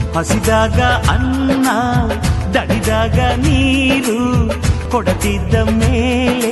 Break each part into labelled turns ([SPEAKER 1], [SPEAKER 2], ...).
[SPEAKER 1] ಹಸಿದಾಗ ಅನ್ನ ದಣಿದಾಗ ನೀರು ಕೊಡತಿದ್ದ ಮೇಲೆ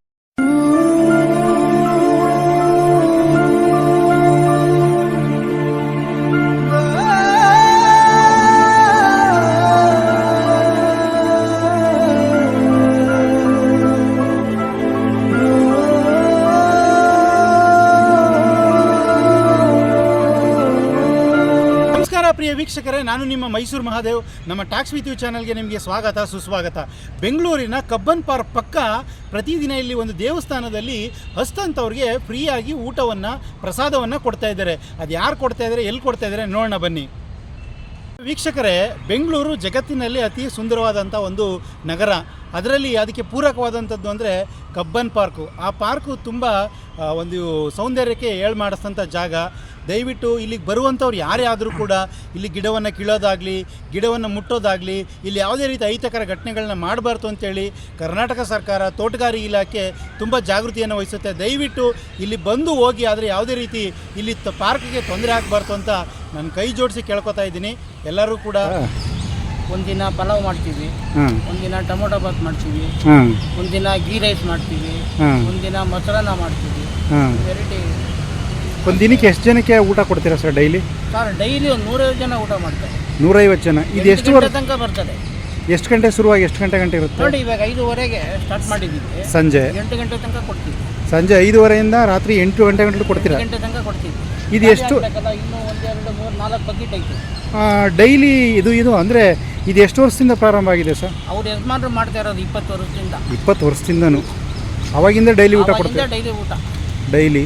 [SPEAKER 2] ಪ್ರಿಯ ವೀಕ್ಷಕರೇ, ನಾನು ನಿಮ್ಮ ಮೈಸೂರು ಮಹಾದೇವ್. ನಮ್ಮ ಟ್ಯಾಕ್ಸ್ ವಿತ್ ಯು ಚಾನಲ್ಗೆ ನಿಮಗೆ ಸ್ವಾಗತ ಸುಸ್ವಾಗತ. ಬೆಂಗಳೂರಿನ ಕಬ್ಬನ್ ಪಾರ್ಕ್ ಪಕ್ಕ ಪ್ರತಿದಿನ ಇಲ್ಲಿ ಒಂದು ದೇವಸ್ಥಾನದಲ್ಲಿ ಹಸ್ತಂತವ್ರಿಗೆ ಫ್ರೀಯಾಗಿ ಊಟವನ್ನು ಪ್ರಸಾದವನ್ನು ಕೊಡ್ತಾ ಇದ್ದಾರೆ. ಅದು ಯಾರು ಕೊಡ್ತಾ ಇದ್ದಾರೆ, ಎಲ್ಲಿ ಕೊಡ್ತಾ ಇದ್ದಾರೆ ನೋಡೋಣ ಬನ್ನಿ. ವೀಕ್ಷಕರೇ, ಬೆಂಗಳೂರು ಜಗತ್ತಿನಲ್ಲಿ ಅತಿ ಸುಂದರವಾದಂಥ ಒಂದು ನಗರ. ಅದರಲ್ಲಿ ಅದಕ್ಕೆ ಪೂರಕವಾದಂಥದ್ದು ಅಂದರೆ ಕಬ್ಬನ್ ಪಾರ್ಕು. ಆ ಪಾರ್ಕು ತುಂಬ ಒಂದು ಸೌಂದರ್ಯಕ್ಕೆ ಮಾಡಿಸಿದಂಥ ಜಾಗ. ದಯವಿಟ್ಟು ಇಲ್ಲಿಗೆ ಬರುವಂಥವ್ರು ಯಾರೇ ಆದರೂ ಕೂಡ ಇಲ್ಲಿ ಗಿಡವನ್ನು ಕೀಳೋದಾಗಲಿ, ಗಿಡವನ್ನು ಮುಟ್ಟೋದಾಗಲಿ, ಇಲ್ಲಿ ಯಾವುದೇ ರೀತಿ ಅಹಿತಕರ ಘಟನೆಗಳನ್ನ ಮಾಡಬಾರ್ದು ಅಂತೇಳಿ ಕರ್ನಾಟಕ ಸರ್ಕಾರ, ತೋಟಗಾರಿಕೆ ಇಲಾಖೆ ತುಂಬ ಜಾಗೃತಿಯನ್ನು ವಹಿಸುತ್ತೆ. ದಯವಿಟ್ಟು ಇಲ್ಲಿ ಬಂದು ಹೋಗಿ, ಆದರೆ ಯಾವುದೇ ರೀತಿ ಇಲ್ಲಿ ಪಾರ್ಕ್ಗೆ ತೊಂದರೆ ಆಗಬಾರ್ದು ಅಂತ ನಾನು ಕೈ ಜೋಡಿಸಿ ಕೇಳ್ಕೊತಾ ಇದ್ದೀನಿ. ಎಲ್ಲರೂ ಕೂಡ
[SPEAKER 3] ಒಂದಿನ ಪಲಾವ್ ಮಾಡ್ತೀವಿ, ಒಂದಿನ ಟೊಮೊಟೊ ಬಾತ್ ಮಾಡ್ತೀವಿ, ಒಂದಿನ ಗೀ ರೈಸ್ ಮಾಡ್ತೀವಿ, ಒಂದಿನ ಮೊಸರನ್ನ ಮಾಡ್ತೀವಿ. ವೆರೈಟಿ.
[SPEAKER 2] ಒಂದು ದಿನಕ್ಕೆ ಎಷ್ಟು ಜನಕ್ಕೆ ಊಟ ಕೊಡ್ತೀರಾ ಸರ್ ಡೈಲಿ?
[SPEAKER 3] ಸರ್ ಡೈಲಿ ಒಂದು 150 ಜನ ಊಟ ಮಾಡ್ತಾರೆ.
[SPEAKER 2] 150 ಜನ. ಇದು ಎಷ್ಟು
[SPEAKER 3] ಗಂಟೆ ತನಕ ಬರ್ತದೆ.
[SPEAKER 2] ಎಷ್ಟು ಗಂಟೆ ಶುರುವಾಗಿ ಎಷ್ಟು ಗಂಟೆ ಇರುತ್ತೆ
[SPEAKER 3] ನೋಡಿ? ಇವಾಗ 5:30ಗೆ ಸ್ಟಾರ್ಟ್ ಮಾಡಿದ್ದೀವಿ,
[SPEAKER 2] ಸಂಜೆ
[SPEAKER 3] 8 ಗಂಟೆ ತನಕ ಕೊಡ್ತೀವಿ.
[SPEAKER 2] ಸಂಜೆ 5:30ಯಿಂದ ರಾತ್ರಿ 8 ಗಂಟೆ ಕೊಡ್ತೀರಾ?
[SPEAKER 3] 8 ಗಂಟೆ ತನಕ ಕೊಡ್ತೀವಿ.
[SPEAKER 2] ಇದು ಎಷ್ಟು?
[SPEAKER 3] ಇನ್ನೂ 1, 2, 3, 4 ಬಕೆಟ್ ಐತೆ
[SPEAKER 2] ಡೈಲಿ. ಇದು ಅಂದರೆ ಇದು ಎಷ್ಟು ವರ್ಷದಿಂದ ಪ್ರಾರಂಭ ಆಗಿದೆ ಸರ್?
[SPEAKER 3] ಅವ್ರು ಯಜಮಾನರು ಮಾಡ್ತಾ ಇರೋದು 20 ವರ್ಷದಿಂದ.
[SPEAKER 2] 20 ವರ್ಷದಿಂದನೂ ಅವಾಗಿಂದ ಡೈಲಿ ಊಟ ಕೊಡ್ತೀವಿ?
[SPEAKER 3] ಡೈಲಿ ಊಟ
[SPEAKER 2] ಡೈಲಿ.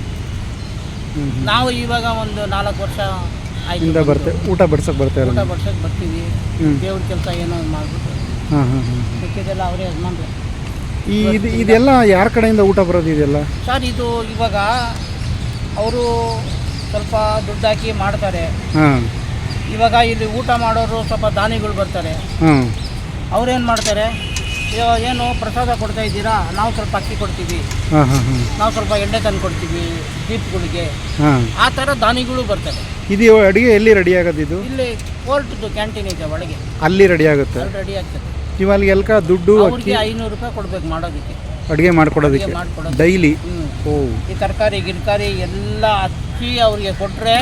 [SPEAKER 3] ನಾವು ಇವಾಗ ಒಂದು 4 ವರ್ಷ
[SPEAKER 2] ಇಂದ ಬರ್ತೇವೆ ಊಟ ಬಡ್ಸಕ್ಕೆ ಬರ್ತಾರೆ.
[SPEAKER 3] ಊಟ ಬಡ್ಸಕ್ಕೆ ಬರ್ತೀವಿ. ದೇವ್ರ ಕೆಲಸ ಏನೋ ಮಾಡ್ಬಿಟ್ಟು ಸಿಕ್ಕಿದೆಲ್ಲ ಅವರೇ ಯಜಮಾನ್ರು.
[SPEAKER 2] ಇದೆಲ್ಲ ಯಾರ ಕಡೆಯಿಂದ ಊಟ ಬರೋದು ಇದೆಲ್ಲ
[SPEAKER 3] ಸರ್? ಇದು ಇವಾಗ ಅವರು ಸ್ವಲ್ಪ ದುಡ್ಡು ಹಾಕಿ ಮಾಡ್ತಾರೆ. ಇವಾಗ ಇಲ್ಲಿ ಊಟ ಮಾಡೋರು ಸ್ವಲ್ಪ ದಾನಿಗಳು ಬರ್ತಾರೆ. ಅವ್ರೇನು ಮಾಡ್ತಾರೆ, ಇವಾಗ ಏನು ಪ್ರಸಾದ ಕೊಡ್ತಾ ಇದ್ದೀರಾ, ನಾವು ಸ್ವಲ್ಪ ಅಕ್ಕಿ ಕೊಡ್ತೀವಿ, ನಾವು ಸ್ವಲ್ಪ ಎಣ್ಣೆ ತಂದು ಕೊಡ್ತೀವಿ ದೀಪಗಳಿಗೆ, ಆ ಥರ ದಾನಿಗಳು ಬರ್ತಾರೆ.
[SPEAKER 2] ಇದು ಅಡುಗೆ ಎಲ್ಲಿ ರೆಡಿ ಆಗೋದು? ಇದು
[SPEAKER 3] ಇಲ್ಲಿ ಕೋರ್ಟ್ದು ಕ್ಯಾಂಟೀನ್ ಇದೆ ಒಳಗೆ,
[SPEAKER 2] ಅಲ್ಲಿ ರೆಡಿ ಆಗುತ್ತೆ.
[SPEAKER 3] ಅಲ್ಲಿ ರೆಡಿ ಆಗ್ತದೆ.
[SPEAKER 2] ಇವಾಗ ಎಲ್ಕ ದುಡ್ಡು
[SPEAKER 3] ಅವ್ರಿಗೆ 500 ರೂಪಾಯಿ ಕೊಡಬೇಕು ಮಾಡೋದಕ್ಕೆ,
[SPEAKER 2] ಅಡುಗೆ ಮಾಡ್ಕೊಡೋದಕ್ಕೆ ಡೈಲಿ.
[SPEAKER 3] ಈ ತರಕಾರಿ ಗಿರ್ಕಾರಿ ಎಲ್ಲ ಹಚ್ಚಿ ಅವ್ರಿಗೆ ಕೊಟ್ಟರೆ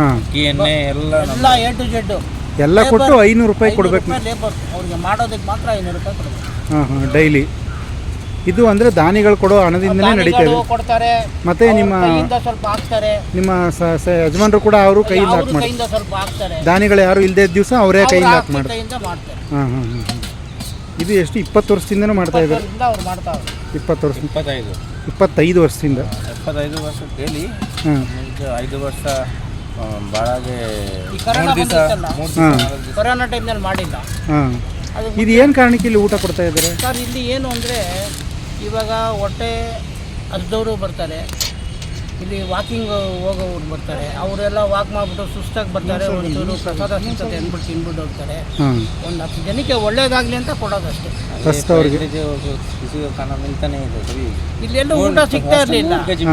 [SPEAKER 3] ಎಲ್ಲ A to Z
[SPEAKER 2] ಎಲ್ಲ ಕೊಟ್ಟು 500 ರೂಪಾಯಿ ಕೊಡಬೇಕು.
[SPEAKER 3] ಲೇಬರ್ ಅವ್ರಿಗೆ ಮಾಡೋದಕ್ಕೆ ಮಾತ್ರ 500 ರೂಪಾಯಿ ಕೊಡಬೇಕು
[SPEAKER 2] ಡೈಲಿ. ಇದು ಅಂದರೆ ದಾನಿಗಳು ಕೊಡೋ ಹಣದಿಂದನೇ ನಡೀತಾ ಇದೆ.
[SPEAKER 3] ಕೊಡ್ತಾರೆ.
[SPEAKER 2] ಮತ್ತೆ ನಿಮ್ಮ
[SPEAKER 3] ಸ್ವಲ್ಪ ಹಾಕ್ತಾರೆ, ನಿಮ್ಮ
[SPEAKER 2] ಯಜಮಾನರು ಕೂಡ ಅವರು ಕೈಯಿಂದ ಹಾಕಿ
[SPEAKER 3] ಮಾಡ್ತಾರೆ. ಸ್ವಲ್ಪ ಹಾಕ್ತಾರೆ.
[SPEAKER 2] ದಾನಿಗಳು ಯಾರು ಇಲ್ಲದೆ ದಿವಸ ಅವರೇ ಕೈಯಿಂದ ಹಾಕಿ
[SPEAKER 3] ಮಾಡ್ತಾರೆ.
[SPEAKER 2] ಇದು ಎಷ್ಟು 20 ವರ್ಷದಿಂದನೂ ಮಾಡ್ತಾ ಇದ್ದಾರೆ?
[SPEAKER 3] ಅವ್ರು ಮಾಡ್ತಾರೆ
[SPEAKER 2] 20 ವರ್ಷ 25 ವರ್ಷದಿಂದ
[SPEAKER 4] 25 ವರ್ಷ ಡೈಲಿ. 5 ವರ್ಷ ಭಾಳಗೆ
[SPEAKER 3] ಕೊರೋನಾ ಟೈಮ್ನಲ್ಲಿ ಮಾಡಿಲ್ಲ.
[SPEAKER 2] ಇದು ಏನು ಕಾರಣಕ್ಕೆ ಇಲ್ಲಿ ಊಟ ಕೊಡ್ತಾ ಇದ್ದಾರೆ
[SPEAKER 3] ಸರ್? ಇಲ್ಲಿ ಏನು ಅಂದರೆ ಇವಾಗ ಹೊಟ್ಟೆ ಹಸ್ದವರು ಬರ್ತಾರೆ, ಇಲ್ಲಿ ವಾಕಿಂಗ್ ಹೋಗೋರು ಬರ್ತಾರೆ, ಅವರೆಲ್ಲ ವಾಕ್ ಮಾಡಿಬಿಟ್ಟು ಸುಸ್ತಾಗಿ ಬರ್ತಾರೆ, ಒಂಚೂರು ಪ್ರಸಾದ ಸಿಗ್ತದೆ ಅಂದ್ಬಿಟ್ಟು ತಿನ್ಬಿಟ್ಟು ಹೋಗ್ತಾರೆ. ಒಂದು 10 ಜನಕ್ಕೆ ಒಳ್ಳೇದಾಗಲಿ ಅಂತ ಕೊಡೋದಷ್ಟೇ. ಇಲ್ಲೆಲ್ಲೂ ಊಟ ಸಿಗ್ತಾ ಇರಲಿಲ್ಲ.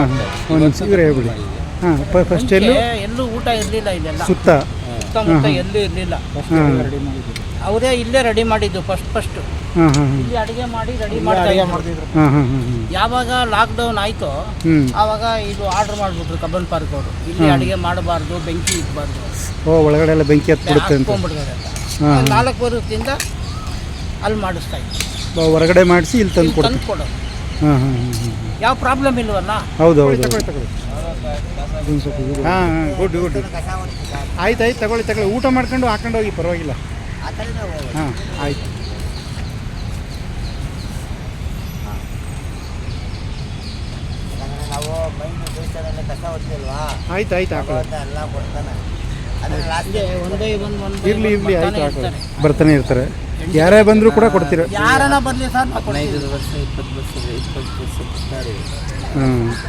[SPEAKER 2] ಫಸ್ಟ್
[SPEAKER 3] ಎಲ್ಲೂ ಊಟ ಇರಲಿಲ್ಲ. ಇಲ್ಲೆಲ್ಲ
[SPEAKER 2] ಸುತ್ತಮುತ್ತ
[SPEAKER 3] ಎಲ್ಲೂ ಇರಲಿಲ್ಲ. ಅವರೇ ಇಲ್ಲೇ ರೆಡಿ ಮಾಡಿದ್ದು ಫಸ್ಟ್. ಇಲ್ಲಿ ಅಡುಗೆ ಮಾಡಿ ರೆಡಿ ಮಾಡ್ತಾ ಇದ್ರು. ಯಾವಾಗ ಲಾಕ್ಡೌನ್ ಆಯಿತು ಆವಾಗ ಇದು ಆರ್ಡರ್ ಮಾಡಿಬಿಟ್ರು ಕಬ್ಬನ್ ಪಾರ್ಕ್ ಅವರು, ಇಲ್ಲಿ ಅಡುಗೆ ಮಾಡಬಾರ್ದು, ಬೆಂಕಿ ಇಡಬಾರ್ದು,
[SPEAKER 2] ಒಳಗಡೆ ಎಲ್ಲ ಬೆಂಕಿ
[SPEAKER 3] ಹಾಕ್ಕೊಂಡ್ಬಿಡ್ತಾರೆ ಅಂತ 4 ವರ್ಷದಿಂದ ಅಲ್ಲಿ ಮಾಡಿಸ್ತಾ ಇದ್ರು.
[SPEAKER 2] ಹೊರಗಡೆ ಮಾಡಿಸಿ ಇಲ್ಲಿ ತಂದು
[SPEAKER 3] ಕೊಡೋದು. ಯಾವ ಪ್ರಾಬ್ಲಮ್ ಇಲ್ವಲ್ಲ?
[SPEAKER 2] ಹೌದು. ಗುಡ್. ಆಯ್ತು ತಗೊಳ್ಳಿ. ಊಟ ಮಾಡ್ಕೊಂಡು ಹಾಕೊಂಡು ಹೋಗಿ, ಪರವಾಗಿಲ್ಲ. ಆಯ್ತು. ಇರ್ಲಿ ಆಯ್ತು. ಬರ್ತಾನೆ ಇರ್ತಾರೆ. ಯಾರೇ ಬಂದರೂ ಕೂಡ ಕೊಡ್ತೀರ?
[SPEAKER 3] ಯಾರನ್ನ ಬರಲಿ ಸರ್.
[SPEAKER 4] 15 ವರ್ಷ 20 ವರ್ಷ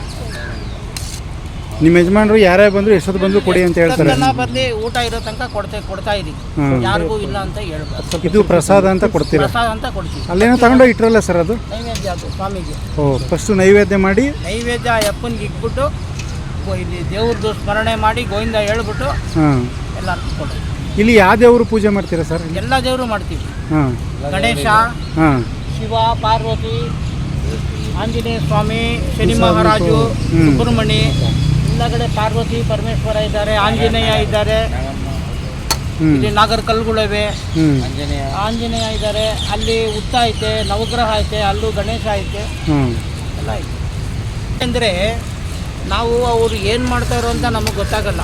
[SPEAKER 2] ನಿಮ್ಮ ಯಜಮಾನರು ಯಾರೇ ಬಂದ್ರು ಎಷ್ಟೊತ್ತು ಬಂದ್ರು ಕೊಡಿ ಅಂತ ಹೇಳ್ತಾರೆ.
[SPEAKER 3] ಬರ್ಲಿ, ಊಟ ಇರೋ ತನಕ ಕೊಡ್ತಾ ಇದೀವಿ, ಯಾರಿಗೂ ಇಲ್ಲ ಅಂತ ಹೇಳ್ಬಾರ್ದು.
[SPEAKER 2] ಇದು ಪ್ರಸಾದ ಅಂತ ಕೊಡ್ತೀರಾ?
[SPEAKER 3] ಪ್ರಸಾದ ಅಂತ ಕೊಡ್ತೀವಿ.
[SPEAKER 2] ಅಲ್ಲೇನೋ ತಗೊಂಡೋಗಿ ಇಟ್ರಲ್ಲ ಸರ್, ಅದು
[SPEAKER 3] ನೈವೇದ್ಯ. ಅದು ಸ್ವಾಮಿಗೆ
[SPEAKER 2] ಫಸ್ಟ್ ನೈವೇದ್ಯ ಮಾಡಿ,
[SPEAKER 3] ನೈವೇದ್ಯ ಅಪ್ಪನಿಗೆ ಇಟ್ಬಿಟ್ಟು ಇಲ್ಲಿ ದೇವ್ರದ್ದು ಸ್ಮರಣೆ ಮಾಡಿ ಗೋವಿಂದ ಹೇಳ್ಬಿಟ್ಟು ಎಲ್ಲ ಕೊಡೋದು.
[SPEAKER 2] ಇಲ್ಲಿ ಯಾವ ದೇವರು ಪೂಜೆ ಮಾಡ್ತೀರಾ ಸರ್?
[SPEAKER 3] ಎಲ್ಲ ದೇವರು ಮಾಡ್ತೀವಿ.
[SPEAKER 2] ಹಾಂ
[SPEAKER 3] ಗಣೇಶ,
[SPEAKER 2] ಹಾಂ
[SPEAKER 3] ಶಿವ, ಪಾರ್ವತಿ, ಆಂಜನೇಯ ಸ್ವಾಮಿ, ಶನಿ ಮಹಾರಾಜು, ಸುಬ್ರಹ್ಮಣ್ಯ, ಎಲ್ಲ ಕಡೆ ಪಾರ್ವತಿ ಪರಮೇಶ್ವರ ಇದ್ದಾರೆ, ಆಂಜನೇಯ ಇದ್ದಾರೆ, ಇಲ್ಲಿ ನಾಗರ ಕಲ್ಲುಗಳಿವೆ, ಆಂಜನೇಯ ಇದ್ದಾರೆ, ಅಲ್ಲಿ ಉತ್ತ ಐತೆ, ನವಗ್ರಹ ಐತೆ, ಅಲ್ಲೂ ಗಣೇಶ ಐತೆ, ಎಲ್ಲ ಐತೆ. ಅಂದರೆ ನಾವು ಅವರು ಏನು ಮಾಡ್ತಾರೋ ಅಂತ ನಮಗೆ ಗೊತ್ತಾಗಲ್ಲ.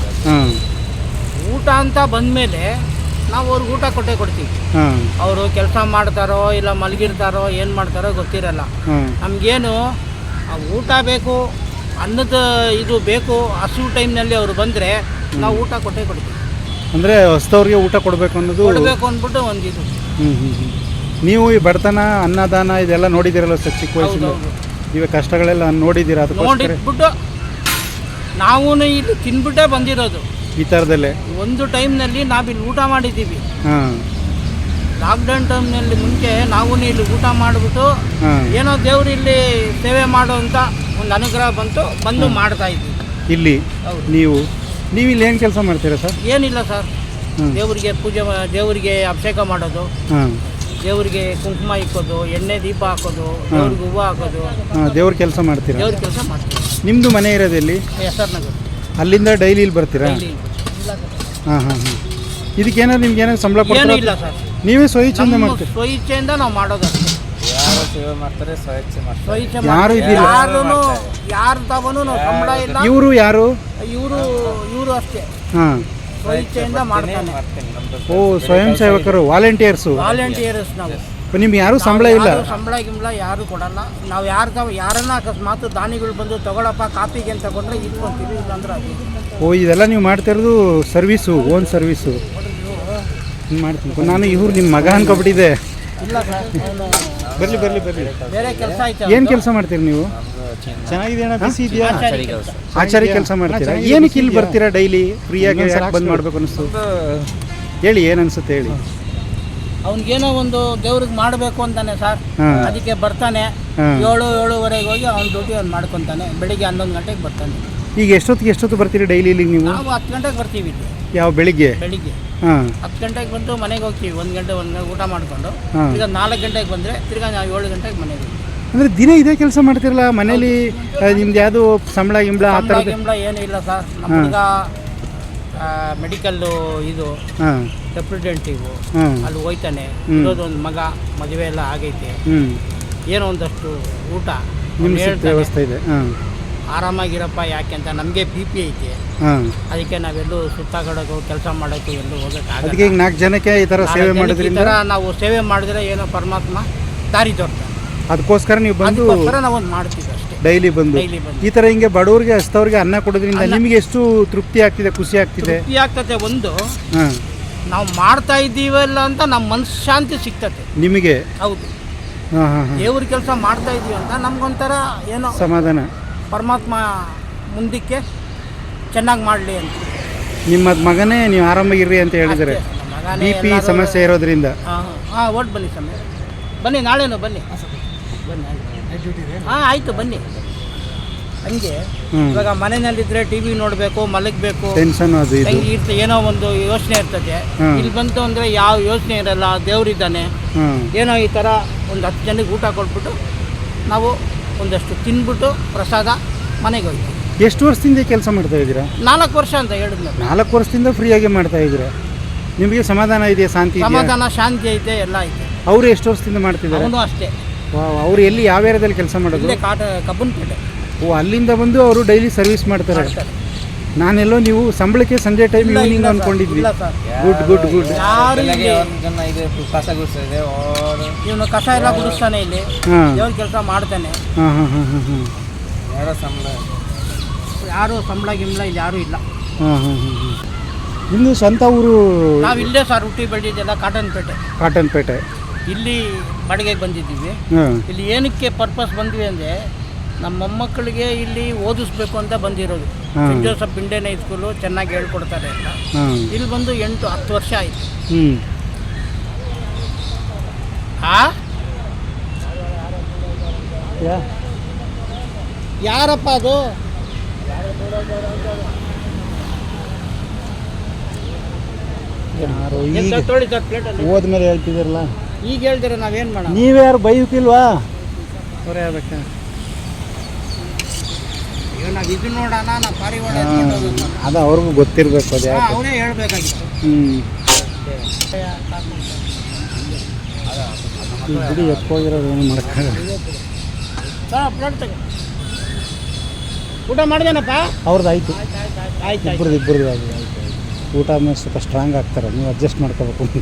[SPEAKER 3] ಊಟ ಅಂತ ಬಂದಮೇಲೆ ನಾವು ಅವ್ರಿಗೆ ಊಟ ಕೊಟ್ಟೇ ಕೊಡ್ತೀವಿ. ಅವರು ಕೆಲಸ ಮಾಡ್ತಾರೋ ಇಲ್ಲ ಮಲಗಿರ್ತಾರೋ ಏನು ಮಾಡ್ತಾರೋ ಗೊತ್ತಿರಲ್ಲ. ನಮಗೇನು ಊಟ ಬೇಕು, ಅನ್ನದ ಇದು ಬೇಕು, ಹಸಿವು ಟೈಮ್ನಲ್ಲಿ ಅವರು ಬಂದರೆ ನಾವು ಊಟ ಕೊಟ್ಟೇ ಕೊಡ್ತೀವಿ.
[SPEAKER 2] ಅಂದರೆ ಹೊಸದವ್ರಿಗೆ ಊಟ ಕೊಡಬೇಕು ಅನ್ನೋದು
[SPEAKER 3] ಕೊಡಬೇಕು ಅಂದ್ಬಿಟ್ಟು ಒಂದು ಇದು.
[SPEAKER 2] ನೀವು ಈ ಬಡತನ, ಅನ್ನದಾನ ಇದೆಲ್ಲ ನೋಡಿದ್ದೀರಲ್ಲ ಸರ್ ಚಿಕ್ಕ ವಯಸ್ಸಿಂದ? ಇವಾಗ ಕಷ್ಟಗಳೆಲ್ಲ ನೋಡಿದ್ದೀರಾ?
[SPEAKER 3] ನೋಡಿಬಿಟ್ಟು ನಾವು ಇಲ್ಲಿ ತಿನ್ಬಿಟ್ಟೇ ಬಂದಿರೋದು
[SPEAKER 2] ಈ ಥರದಲ್ಲೇ. ಒಂದು
[SPEAKER 3] ಟೈಮ್ನಲ್ಲಿ ನಾವಿಲ್ಲಿ ಊಟ ಮಾಡಿದ್ದೀವಿ. ಲಾಕ್ಡೌನ್ ಟೈಮ್ನಲ್ಲಿ ಮುಂಚೆ ನಾವು ಇಲ್ಲಿ ಊಟ ಮಾಡಿಬಿಟ್ಟು ಏನೋ ದೇವ್ರು ಇಲ್ಲಿ ಸೇವೆ ಮಾಡೋ ಅಂತ ಒಂದು ಅನುಗ್ರಹ ಬಂದು ಮಾಡ್ತಾ ಇದ್ವಿ
[SPEAKER 2] ಇಲ್ಲಿ. ನೀವು ಇಲ್ಲಿ ಏನು ಕೆಲಸ ಮಾಡ್ತೀರಾ ಸರ್?
[SPEAKER 3] ಏನಿಲ್ಲ ಸರ್, ದೇವರಿಗೆ ಪೂಜೆ, ದೇವರಿಗೆ ಅಭಿಷೇಕ ಮಾಡೋದು, ದೇವರಿಗೆ ಕುಂಕುಮ ಇಕ್ಕೋದು, ಎಣ್ಣೆ ದೀಪ ಹಾಕೋದು, ದೇವ್ರಿಗೆ ಹೂವು ಹಾಕೋದು,
[SPEAKER 2] ದೇವ್ರ ಕೆಲಸ ಮಾಡ್ತೀರಾ?
[SPEAKER 3] ದೇವ್ರ ಕೆಲಸ ಮಾಡ್ತೀವಿ.
[SPEAKER 2] ನಿಮ್ಮದು ಮನೆ ಇರೋದೆಲ್ಲಿ?
[SPEAKER 3] ಹೆಸರ್ನಗರ.
[SPEAKER 2] ಅಲ್ಲಿಂದ ಡೈಲಿ ಇಲ್ಲಿ ಬರ್ತೀರಾ? ಹಾಂ. ಇದಕ್ಕೇನಾದ್ರು ನಿಮ್ಗೆ ಏನಾದ್ರು ಸಂಬಳ ಕೊಡ್ತೀರಾ?
[SPEAKER 3] ಇಲ್ಲ ಸರ್,
[SPEAKER 2] ನೀವೇ ಸ್ವಇಚ್ಛೆಯಿಂದ ಮಾಡ್ತೀರಾ?
[SPEAKER 3] ಸ್ವಇಚ್ಛೆಯಿಂದ ನಾವು ಮಾಡೋದು.
[SPEAKER 4] ಯಾರು ಸೇವೆ ಮಾಡ್ತಾರೆ ಸ್ವಇಚ್ಛೆ ಮಾಡ್ತಾರೆ.
[SPEAKER 2] ಯಾರು ಇದ್ದಿಲ್ಲ,
[SPEAKER 3] ಯಾರು ತಗೊಂಡು ನಾವು ಸಂಬಳ ಇಲ್ಲ.
[SPEAKER 2] ಇವರು ಯಾರು?
[SPEAKER 3] ಇವರು ಅಷ್ಟೇ.
[SPEAKER 2] ಹಾಂ,
[SPEAKER 3] ಸ್ವಇಚ್ಛೆಯಿಂದ ಮಾಡ್ತಾನೆ.
[SPEAKER 2] ಓ, ಸ್ವಯಂ ಸೇವಕರು, ವಾಲಂಟಿಯರ್ಸ್
[SPEAKER 3] ನಾವು.
[SPEAKER 2] ನಿಮ್ಗೆ ಯಾರು ಸಂಬಳ ಇಲ್ಲ?
[SPEAKER 3] ಸಂಬಳ ಗಿಂಬಳ ಯಾರು ಕೊಡಲ್ಲ. ನಾವು ಯಾರನ್ನ ಅಕಸ್ಮಾತ್ ದಾನಿಗಳು ಬಂದು ತಗೊಳಪ್ಪ ಕಾಪಿಗೆ ಅಂತ ತಗೊಂಡ್ರೆ ಇಟ್ಕೊಂತೀವಿ, ಇಲ್ಲಾಂದ್ರೆ
[SPEAKER 2] ಓ, ಇದೆಲ್ಲ ನೀವು ಮಾಡ್ತಿರೋದು ಸರ್ವೀಸು, ಓನ್ ಸರ್ವೀಸು ಮಾಡ್ತೀನಿ. ನಾನು ಇವ್ರು ನಿಮ್ಮ ಮಗ ಅನ್ಕೊಬಿಟ್ಟಿದ್ದೆ.
[SPEAKER 3] ಇಲ್ಲ ಸರ್,
[SPEAKER 2] ಬರ್ಲಿ
[SPEAKER 3] ಬೇರೆ ಕೆಲಸ ಆಯ್ತು.
[SPEAKER 2] ಏನು ಕೆಲಸ ಮಾಡ್ತೀರಿ ನೀವು? ಚೆನ್ನಾಗಿದೆ ಅಣ್ಣ, ಬಿಸಿ ಇದೆಯಾ? ಆಚಾರಿ ಕೆಲಸ ಮಾಡ್ತೀರಾ? ಏನಕ್ಕೆ ಇಲ್ಲಿ ಬರ್ತೀರಾ ಡೈಲಿ? ಫ್ರೀಯಾಗಿ ಯಾಕೆ ಬಂದ್ ಮಾಡ್ಬೇಕು ಅನಿಸ್ತು? ಹೇಳಿ, ಏನು ಅನ್ಸುತ್ತೆ ಹೇಳಿ.
[SPEAKER 3] ಅವ್ನಿಗೇನೋ ಒಂದು ದೇವ್ರಿಗೆ ಮಾಡಬೇಕು ಅಂತಾನೆ ಸರ್, ಅದಕ್ಕೆ ಬರ್ತಾನೆ. 7-7:30 ಹೋಗಿ ಅವ್ನ ಡ್ಯೂಟಿ ಅವ್ನು ಮಾಡ್ಕೊತಾನೆ. ಬೆಳಿಗ್ಗೆ 11 ಗಂಟೆಗೆ ಬರ್ತಾನೆ.
[SPEAKER 2] ಈಗ ಎಷ್ಟೊತ್ತು ಬರ್ತೀರಿ ಡೈಲಿ ಇಲ್ಲಿಗೆ ನೀವು?
[SPEAKER 3] ನಾವು 10 ಗಂಟೆಗೆ ಬರ್ತೀವಿ ಇಲ್ಲಿ.
[SPEAKER 2] ಯಾವ ಬೆಳಿಗ್ಗೆ?
[SPEAKER 3] 10 ಗಂಟೆಗೆ ಬಂದು ಮನೆಗೆ ಹೋಗ್ತೀವಿ. 1 ಗಂಟೆ ಊಟ ಮಾಡಿಕೊಂಡು ಈಗ 4 ಗಂಟೆಗೆ ಬಂದರೆ ತಿರ್ಗಾ ನಾವು 7 ಗಂಟೆಗೆ ಮನೆಗೆ ಹೋಗ್ತೀವಿ.
[SPEAKER 2] ಅಂದರೆ ದಿನ ಇದೇ ಕೆಲಸ ಮಾಡ್ತಿರಲ್ಲ ಮನೇಲಿ? ನಿಮ್ದು ಯಾವುದು ಸಂಬಳ ಗಿಂಬಳ ಆ ಥರ
[SPEAKER 3] ಏನೂ ಇಲ್ಲ ಸರ್. ನಮ್ಮ ಹುಡುಗ ಮೆಡಿಕಲ್ಲು ಇದು ರೆಪ್ರೆಸೆಂಟೇಟಿವ್, ಅಲ್ಲಿ ಹೋಯ್ತಾನೆ. ಇರೋದೊಂದು ಮಗ, ಮದುವೆ ಎಲ್ಲ ಆಗೈತೆ. ಏನೋ ಒಂದಷ್ಟು ಊಟ
[SPEAKER 2] ವ್ಯವಸ್ಥೆ ಇದೆ.
[SPEAKER 3] ಆರಾಮಾಗಿರಪ್ಪ, ಯಾಕೆ ಅಂತ ನಮಗೆ PP ಐತೆ. ಅದಕ್ಕೆ ನಾವೆಲ್ಲೂ ಸುತ್ತಾಗಡೋದು, ಕೆಲಸ ಮಾಡೋದು ಎಲ್ಲೂ ಹೋಗೋಕ್ಕಾಗಲ್ಲ.
[SPEAKER 2] ಅದಕ್ಕೆ ಈಗ 4 ಜನಕ್ಕೆ ಈ ಥರ ಸೇವೆ ಮಾಡೋದ್ರಿಂದ
[SPEAKER 3] ನಾವು ಸೇವೆ ಮಾಡಿದ್ರೆ ಏನೋ ಪರಮಾತ್ಮ ದಾರಿ ತೋರ್ತಾನೆ.
[SPEAKER 2] ಅದಕ್ಕೋಸ್ಕರ ನೀವು ಬಂದು
[SPEAKER 3] ನಾವೊಂದು ಮಾಡ್ತೀವಿ ಅಷ್ಟೇ.
[SPEAKER 2] ಡೈಲಿ ಬಂದು ಈ ಥರ ಹಿಂಗೆ ಬಡವ್ರಿಗೆ ಹಸ್ತವ್ರಿಗೆ ಅನ್ನ ಕೊಡೋದ್ರಿಂದ ನಿಮಗೆ ಎಷ್ಟು ತೃಪ್ತಿ ಆಗ್ತಿದೆ, ಖುಷಿ ಆಗ್ತಿದೆ?
[SPEAKER 3] ತೃಪ್ತಿ ಆಗ್ತದೆ. ಒಂದು ನಾವು ಮಾಡ್ತಾ ಇದ್ದೀವಲ್ಲ ಅಂತ ನಮ್ಮ ಮನಸ್ಸು ಶಾಂತಿ ಸಿಗ್ತದೆ ನಿಮಗೆ. ಹೌದು, ದೇವ್ರ ಕೆಲಸ ಮಾಡ್ತಾ ಇದೀವಿ ಅಂತ ನಮ್ಗೊಂಥರ ಏನೋ
[SPEAKER 2] ಸಮಾಧಾನ.
[SPEAKER 3] ಪರಮಾತ್ಮ ಮುಂದಕ್ಕೆ ಚೆನ್ನಾಗಿ ಮಾಡಲಿ ಅಂತ.
[SPEAKER 2] ನಿಮ್ಮ ಮಗನೇ ನೀವು ಆರಾಮಾಗಿರ್ರಿ ಅಂತ ಹೇಳಿದರೆ, BP ಸಮಸ್ಯೆ ಇರೋದ್ರಿಂದ.
[SPEAKER 3] ಒಟ್ಟು ಬನ್ನಿ ಸಮಯ, ಬನ್ನಿ, ನಾಳೆನೂ ಬನ್ನಿ. ಆಯಿತು, ಬನ್ನಿ. ಹಂಗೆ ಇವಾಗ ಮನೆಯಲ್ಲಿದ್ದರೆ TV ನೋಡಬೇಕು, ಮಲಗಬೇಕು,
[SPEAKER 2] ಟೆನ್ಷನ್ ಅದು
[SPEAKER 3] ಏನೋ ಒಂದು ಯೋಚನೆ ಇರ್ತದೆ. ಇಲ್ಲಿ ಬಂತು ಅಂದರೆ ಯಾವ ಯೋಚನೆ ಇರಲ್ಲ, ದೇವ್ರಿದ್ದಾನೆ. ಏನೋ ಈ ಥರ ಒಂದು 10 ಜನಕ್ಕೆ ಊಟ ಕೊಟ್ಬಿಟ್ಟು ನಾವು ಒಂದಷ್ಟು ತಿನ್ಬಿಟ್ಟು ಪ್ರಸಾದ ಮನೆಗೆ ಹೋಗ್ತೀವಿ.
[SPEAKER 2] ಎಷ್ಟು ವರ್ಷದಿಂದ ಕೆಲಸ ಮಾಡ್ತಾ ಇದ್ದೀರಾ?
[SPEAKER 3] 4 ವರ್ಷ ಅಂತ ಹೇಳಿದ್ಮೇಲೆ.
[SPEAKER 2] 4 ವರ್ಷದಿಂದ ಫ್ರೀಯಾಗಿ ಮಾಡ್ತಾ ಇದ್ದೀರಾ? ನಿಮಗೆ ಸಮಾಧಾನ ಇದೆಯಾ?
[SPEAKER 3] ಸಮಾಧಾನ, ಶಾಂತಿ ಐತೆ, ಎಲ್ಲ ಐತೆ.
[SPEAKER 2] ಅವರು ಎಷ್ಟು ವರ್ಷದಿಂದ ಮಾಡ್ತಿದ್ದಾರೆ?
[SPEAKER 3] ಅವನು ಅಷ್ಟೇ.
[SPEAKER 2] ಅವರು ಎಲ್ಲಿ, ಯಾವ ಏರಿಯಾದಲ್ಲಿ ಕೆಲಸ ಮಾಡೋದು?
[SPEAKER 3] ಕಬ್ಬನ್ಪೇಟೆ.
[SPEAKER 2] ಓ, ಅಲ್ಲಿಂದ ಬಂದು ಅವರು ಡೈಲಿ ಸರ್ವಿಸ್ ಮಾಡ್ತಾರೆ. ನಾನೆಲ್ಲೋ ನೀವು ಸಂಬಳಕ್ಕೆ ಸಂಜೆ ಟೈಮ್ ಈವ್ನಿಂಗ್ ಅಂದ್ಕೊಂಡಿದ್ವಿ. ಗುಡ್.
[SPEAKER 3] ಇವನು ಕಸ ಎಲ್ಲ ಗುಡಿಸ್ತಾನೆ, ಇಲ್ಲಿ ದೇವ್ರ ಕೆಲಸ ಮಾಡ್ತಾನೆ. ಯಾರು ಸಂಬಳ ಗಿಂಬಳ ಇಲ್ಲಿ ಯಾರೂ ಇಲ್ಲ.
[SPEAKER 2] ಇನ್ನು ಸ್ವಂತ ಊರು?
[SPEAKER 3] ನಾವು ಇಲ್ಲೇ ಸರ್ ಹುಟ್ಟಿ ಬೆಳೆದಿದ್ದೆಲ್ಲ ಕಾಟನ್ಪೇಟೆ. ಇಲ್ಲಿ ಬಾಡಿಗೆಗೆ ಬಂದಿದ್ದೀವಿ. ಇಲ್ಲಿ ಏನಕ್ಕೆ ಪರ್ಪಸ್ ಬಂದ್ವಿ ಅಂದರೆ ನಮ್ಮ ಮೊಮ್ಮಕ್ಕಳಿಗೆ ಇಲ್ಲಿ ಓದಿಸ್ಬೇಕು ಅಂತ ಬಂದಿರೋದು. ಸೆಂಟ್ ಜೋಸೆಫ್ ಇಂಡಿಯನ್ ಹೈಸ್ಕೂಲು ಚೆನ್ನಾಗಿ ಹೇಳ್ಕೊಡ್ತಾರೆ ಅಂತ. ಇಲ್ಲಿ ಬಂದು 8-10 ವರ್ಷ ಆಯಿತು. ಯಾರಪ್ಪ ಅದು?
[SPEAKER 2] ಯಾರು
[SPEAKER 3] ಏನ್
[SPEAKER 2] ಈಗ
[SPEAKER 3] ಸರ್ ತೊಳಿ ಸರ್ ಪ್ಲೇಟಲ್ಲಿ
[SPEAKER 2] ಹೋದ್ಮೇಲೆ ಹೇಳ್ತಿದ್ದೀರಲ್ಲ,
[SPEAKER 3] ಈಗ ಹೇಳ್ತೀರ ನಾವೇನು ಮಾಡೋಣ?
[SPEAKER 2] ನೀವ್ಯಾರು ಬೈಕಿಲ್ವಾ? ಅವರೇ ಆಗ್ಬೇಕಾ?
[SPEAKER 3] ಈಗ ನಾವು ಇದು ನೋಡೋಣ, ನಾವು ಪಾರಿವಾಳ ಎತ್ಕೊಂಡು ಹೋಗೋದು.
[SPEAKER 2] ಅದು ಅವ್ರಿಗೂ ಗೊತ್ತಿರಬೇಕು ಅದು ಯಾಕೆ.
[SPEAKER 3] ಅವನೇ ಹೇಳ್ಬೇಕಾಗಿತ್ತು.
[SPEAKER 2] ಬಿಡಿ ಎತ್ಕೋಗಿರೋದು ಏನು ಮಾಡೋಕ್ಕಾಗಲ್ಲ.
[SPEAKER 3] ಸರ್ ಪ್ಲೇಟ್ ತಗೋ. ಊಟ ಮಾಡಿದೇನಪ್ಪ?
[SPEAKER 2] ಅವ್ರದ್ದು ಆಯಿತು,
[SPEAKER 3] ಆಯ್ತು
[SPEAKER 2] ಇಬ್ಬರದ್ದು ಆಗಿದೆ. ಊಟ ಆದ್ಮೇಲೆ ಸ್ವಲ್ಪ ಸ್ಟ್ರಾಂಗ್ ಆಗ್ತಾರೆ, ನೀವು ಅಡ್ಜಸ್ಟ್ ಮಾಡ್ಕೋಬೇಕು.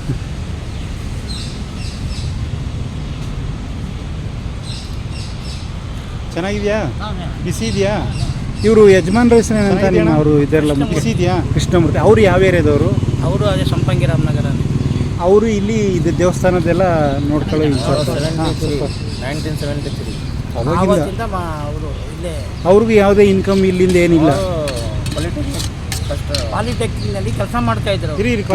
[SPEAKER 2] ಚೆನ್ನಾಗಿದೆಯಾ? ಬಿಸಿ ಇದೆಯಾ? ಇವರು ಯಜಮಾನ್ರ ಹೆಸರು ಏನಂತ ನಿಮ್ಮ ಅವರು ಇದೆಲ್ಲ ಬಿಸಿ ಇದೆಯಾ? ಕೃಷ್ಣಮೂರ್ತಿ. ಅವರು ಯಾವ ಏರಿಯಾದವರು?
[SPEAKER 3] ಅವರು ಅದೇ ಸಂಪಂಗಿ ರಾಮನಗರ.
[SPEAKER 2] ಅವರು ಇಲ್ಲಿ ಇದು ದೇವಸ್ಥಾನದೆಲ್ಲ ನೋಡ್ಕೊಳ್ಳೋ ಇನ್ಚಾರ್ಜ್.
[SPEAKER 4] 1973
[SPEAKER 3] ಆವತ್ತಿಂದ ಅವರು ಇಲ್ಲೇ
[SPEAKER 2] ಅವ್ರಿಗೂ ಯಾವುದೇ ಇನ್ಕಮ್ ಇಲ್ಲಿಂದ ಏನಿಲ್ಲ.
[SPEAKER 3] ಪಾಲಿಟೆಕ್ನಿಕ್ನಲ್ಲಿ ಕೆಲಸ ಮಾಡ್ತಾ ಇದ್ರು.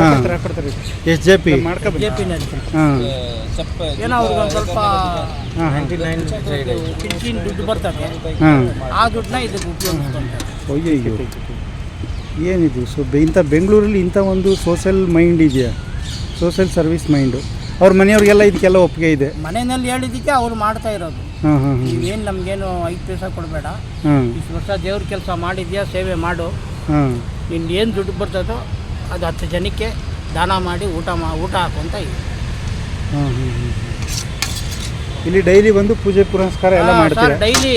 [SPEAKER 2] SJP
[SPEAKER 3] JP-ನಲ್ಲಿ.
[SPEAKER 2] ಹಾಂ
[SPEAKER 3] ಏನೋ ಅವ್ರಿಗೆ ಒಂದು ಸ್ವಲ್ಪ
[SPEAKER 2] ಹಾಂ
[SPEAKER 3] ಪಿಂಚಿನ ದುಡ್ಡು ಬರ್ತದೆ,
[SPEAKER 2] ಹಾಂ.
[SPEAKER 3] ಆ ದುಡ್ಡನ್ನ ಇದಕ್ಕೆ ಉಪಯೋಗಿಸ್ಕೊಂತಾರೆ.
[SPEAKER 2] ಅಯ್ಯೋ ಏನಿದು? ಇಂಥ ಬೆಂಗಳೂರಲ್ಲಿ ಇಂಥ ಒಂದು ಸೋಷಲ್ ಮೈಂಡ್ ಇದೆಯಾ? Social service mind. ಅವ್ರ ಮನೆಯವ್ರಿಗೆಲ್ಲ ಇದಕ್ಕೆಲ್ಲ ಒಪ್ಪಿಗೆ ಇದೆ.
[SPEAKER 3] ಮನೆಯಲ್ಲಿ ಹೇಳಿದ್ದಕ್ಕೆ ಅವ್ರು ಮಾಡ್ತಾ ಇರೋದು.
[SPEAKER 2] ಹಾಂ ಹಾಂ
[SPEAKER 3] ನೀವೇನು ನಮಗೇನು 5 ಪೈಸೆ ಕೊಡಬೇಡ,
[SPEAKER 2] ಹಾಂ
[SPEAKER 3] ಇಷ್ಟು ವರ್ಷ ದೇವ್ರ ಕೆಲಸ ಮಾಡಿದ್ಯಾ, ಸೇವೆ ಮಾಡು,
[SPEAKER 2] ಹಾಂ
[SPEAKER 3] ನಿನ್ನ ಏನು ದುಡ್ಡು ಬರ್ತದೋ ಅದು 10 ಜನಕ್ಕೆ ದಾನ ಮಾಡಿ ಊಟ ಹಾಕು ಅಂತ ಇದೆ.
[SPEAKER 2] ಹಾಂ ಹಾಂ ಹಾಂ. ಇಲ್ಲಿ ಡೈಲಿ ಬಂದು ಪೂಜೆ ಪುರಸ್ಕಾರ ಎಲ್ಲ ಮಾಡ್ತಾರೆ.
[SPEAKER 3] ಡೈಲಿ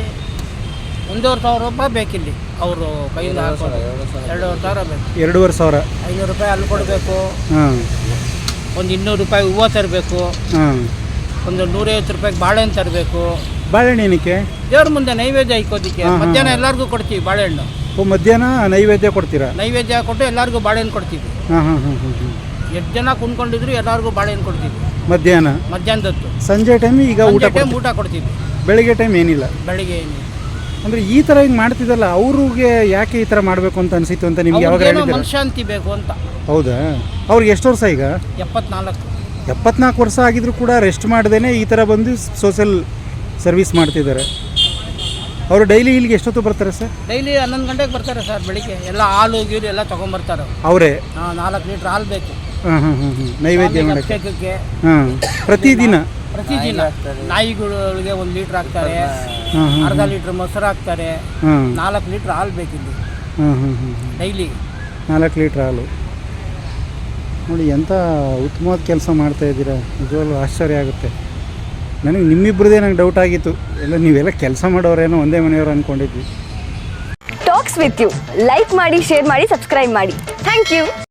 [SPEAKER 3] 1,500 ರೂಪಾಯಿ ಬೇಕಿಲ್ಲಿ ಅವರು ಕೈಯಿಂದ ಹಾಕೋದು. 2,500 ಬೇಕು.
[SPEAKER 2] 2,500.
[SPEAKER 3] 500 ರೂಪಾಯಿ ಅಲ್ಲಿ ಕೊಡಬೇಕು,
[SPEAKER 2] ಹಾಂ
[SPEAKER 3] ಒಂದು 200 ರೂಪಾಯಿ ಹೂವು ತರಬೇಕು,
[SPEAKER 2] ಹಾಂ.
[SPEAKER 3] ಒಂದು 150 ರೂಪಾಯಿಗೆ ಬಾಳೆಹಣ್ಣು ತರಬೇಕು.
[SPEAKER 2] ಬಾಳೆಹಣ್ಣು ಏನಕ್ಕೆ?
[SPEAKER 3] ದೇವ್ರ ಮುಂದೆ ನೈವೇದ್ಯ ಇಕ್ಕೋದಕ್ಕೆ. ಮಧ್ಯಾಹ್ನ ಎಲ್ಲರಿಗೂ ಕೊಡ್ತೀವಿ ಬಾಳೆಹಣ್ಣು.
[SPEAKER 2] ಮಧ್ಯಾಹ್ನ ನೈವೇದ್ಯ ಕೊಡ್ತೀರಾ?
[SPEAKER 3] ನೈವೇದ್ಯ ಕೊಟ್ಟು ಎಲ್ಲರಿಗೂ ಬಾಳೆಹಣ್ಣು ಕೊಡ್ತೀವಿ.
[SPEAKER 2] ಹಾಂ ಹಾಂ ಹಾಂ ಹಾಂ ಹಾಂ.
[SPEAKER 3] 8 ಜನ ಕುಂತ್ಕೊಂಡಿದ್ರು ಎಲ್ಲರಿಗೂ ಬಾಳೆಹಣ್ಣು ಕೊಡ್ತೀವಿ ಮಧ್ಯಾಹ್ನದತ್ತು.
[SPEAKER 2] ಸಂಜೆ ಟೈಮ್ ಈಗ ಊಟ
[SPEAKER 3] ಕೊಡ್ತೀವಿ.
[SPEAKER 2] ಬೆಳಿಗ್ಗೆ ಟೈಮ್ ಏನಿಲ್ಲ.
[SPEAKER 3] ಬೆಳಿಗ್ಗೆ ಏನಿಲ್ಲ.
[SPEAKER 2] ಅಂದರೆ ಈ ಥರ ಹಿಂಗೆ ಮಾಡ್ತಿದ್ದಲ್ಲ, ಅವ್ರಿಗೆ ಯಾಕೆ ಈ ಥರ ಮಾಡಬೇಕು ಅಂತ ಅನಿಸಿತ್ತು ಅಂತ ನಿಮ್ಗೆ ಯಾವಾಗ ಹೇಳಿದ್ರು?
[SPEAKER 3] ಮನಶಾಂತಿ ಬೇಕು ಅಂತ.
[SPEAKER 2] ಹೌದಾ? ಅವ್ರಿಗೆ ಎಷ್ಟು ವರ್ಷ ಈಗ? 74 ವರ್ಷ ಆಗಿದ್ರು ಕೂಡ ರೆಸ್ಟ್ ಮಾಡ್ದೇನೆ ಈ ಥರ ಬಂದು ಸೋಷಲ್ ಸರ್ವಿಸ್ ಮಾಡ್ತಿದ್ದಾರೆ. ಅವರು ಡೈಲಿ ಇಲ್ಲಿಗೆ ಎಷ್ಟೊತ್ತು ಬರ್ತಾರೆ ಸರ್?
[SPEAKER 3] ಡೈಲಿ 11 ಗಂಟೆಗೆ ಬರ್ತಾರೆ ಸರ್. ಬೆಳಿಗ್ಗೆ ಎಲ್ಲ ಹಾಲು ಗೀರು ಎಲ್ಲ ತೊಗೊಂಬರ್ತಾರೆ
[SPEAKER 2] ಅವರೇ.
[SPEAKER 3] 4 ಲೀಟ್ರ್ ಹಾಲು ಬೇಕು.
[SPEAKER 2] ಹಾಂ ಹಾಂ ಹಾಂ ಹಾಂ. ನೈವೇದ್ಯ ಮಾಡೋಕ್ಕೆ. ಹಾಂ. ಪ್ರತಿದಿನ
[SPEAKER 3] ನಾಯಿಗಳಿಗೆ 1 ಲೀಟ್ರ್ ಹಾಕ್ತಾರೆ, ಅರ್ಧ ಲೀಟ್ರ್ ಮೊಸರು ಹಾಕ್ತಾರೆ, 4 ಲೀಟ್ರ್ ಹಾಲು ಬೇಕಿಲ್ಲಿ.
[SPEAKER 2] ಹಾಂ ಹಾಂ ಹಾಂ.
[SPEAKER 3] ಡೈಲಿ
[SPEAKER 2] 4 ಲೀಟ್ರ್ ಹಾಲು. ನೋಡಿ ಎಂಥ ಉತ್ತಮವಾದ ಕೆಲಸ ಮಾಡ್ತಾಯಿದ್ದೀರಾ, ನಿಜವಾಗ್ಲೂ ಆಶ್ಚರ್ಯ ಆಗುತ್ತೆ ನನಗೆ. ನಿಮ್ಮಿಬ್ಬರದೇ ನಂಗೆ ಡೌಟ್ ಆಗಿತ್ತು, ಎಲ್ಲ ನೀವೆಲ್ಲ ಕೆಲಸ ಮಾಡೋರೇನೋ ಒಂದೇ ಮನೆಯವರು ಅಂದ್ಕೊಂಡಿದ್ವಿ.
[SPEAKER 5] ಟಾಕ್ಸ್ ವಿತ್ ಯು ಲೈಕ್ ಮಾಡಿ, ಶೇರ್ ಮಾಡಿ, ಸಬ್ಸ್ಕ್ರೈಬ್ ಮಾಡಿ. Thank you.